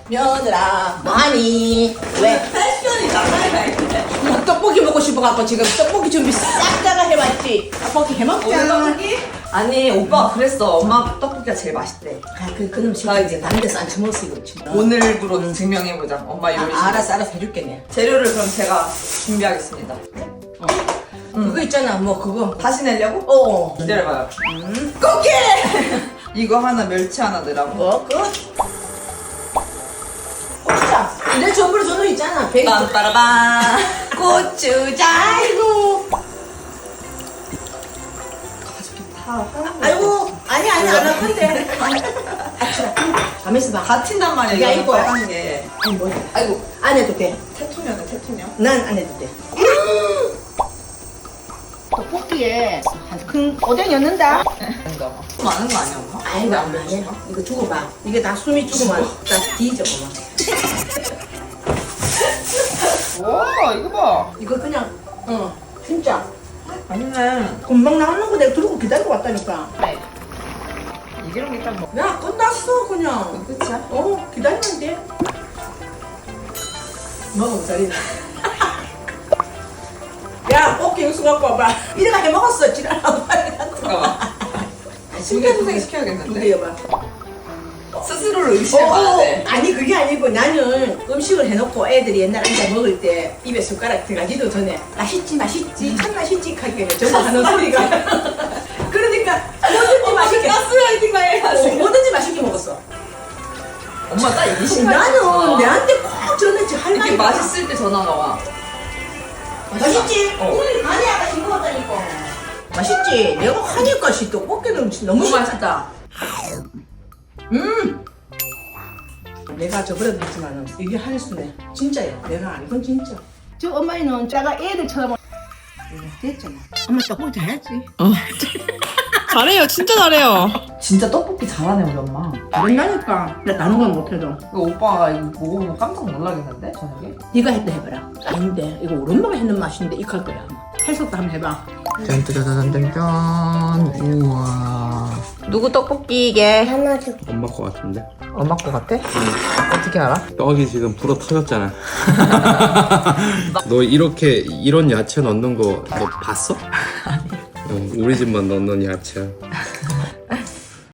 며느라 뭐하니? 왜? 패션이 나가야 돼. 떡볶이 먹고 싶어갖고 지금 떡볶이 준비 싹 다가 해왔지. 떡볶이 해먹자. 떡볶이? 아니 오빠가 그랬어. 엄마 떡볶이가 제일 맛있대. 그놈 싫어. 이제 다른 데서 안 처먹었어 이거 진짜. 오늘부로 증명해보자. 엄마 요리. 알았어 알아서 해줄게. 재료를 그럼 제가 준비하겠습니다. 그거 있잖아 뭐 그거. 다시 내려고? 어. 기다려봐요. 쿠키! 이거 하나, 멸치 하나 넣으라고. 끝. 고추장. 내 전부로 저거 있잖아. 베이스. 빰빠라밤. 고추장. 아이고. 아이고. 아니 안 아픈데. 가만 있어봐. 다 튄단 말이야. 이게 이거는 이거야. 빨간 게. 아니 뭐. 아이고 안 해도 돼. 테토녀네, 테토녀. 난 안 해도 돼. 떡볶이에 큰 오뎅 넣는다. 된다. 많은 거 아니야, 엄마? 아이고 아니 이거 두고 봐. 이게 다 숨이 죽으면 다 뒤져 봐. 와, 이거 봐. 이거 그냥 진짜 아니네. 금방 나오는 거 내가 들고 기다리고 왔다니까. 이런 게 딱 먹. 야 끝났어 그냥. 끝이야? 기다리면 돼. 먹어 자리나. 야 꽃게 육수 갖고 와봐. 이래가 해 먹었어 지랄하고. 잠깐만. 심폐소생 시켜야겠는데? 이거 봐. 스스로를 의심해봐야 돼. 아니 그게 아니고 나는 음식을 해놓고 애들이 옛날 앉아 먹을 때 입에 숟가락 들어가기도 전에 맛있지 참 맛있지 하게 저거 하는 소리가. 그러니까 뭐든지 맛있게 가스라이팅만 해야지. 뭐든지 맛있게 먹었어. 엄마 딱 이게 나는 내한테 꼭 전했지 할 이렇게 말이 맛있을 때 전화가 와. 맛있지? 어. 오늘 간이 아까 싱거웠다니까. 맛있지? 내가 하니까 떡볶이는 너무 맛있다. 내가 저번에도 했지만 이게 한수네. 진짜야. 내가 아는 건 진짜. 저 엄마는 자가 애들 쳐다보. 됐잖아. 엄마 떡볶이 잘했지. 잘해요, 진짜 잘해요. 진짜 떡볶이 잘하네 우리 엄마. 잘한다니까. 나 다른 건 못해도. 이거 오빠가 이거 먹어보면 깜짝 놀라겠는데 저녁에? 네가 했다 해봐라. 아닌데 이거 우리 엄마가 했는 맛인데 익할 거야. 해석도 한번 해봐. 짠짜자잔짠짠. 우와. 누구 떡볶이 이게? 엄마 거 같은데? 엄마 거 같아? 어떻게 알아? 떡이 지금 불어 터졌잖아. 너 이렇게 이런 야채 넣는 거 너 봤어? 아니. 우리 집만 넣는 야채야.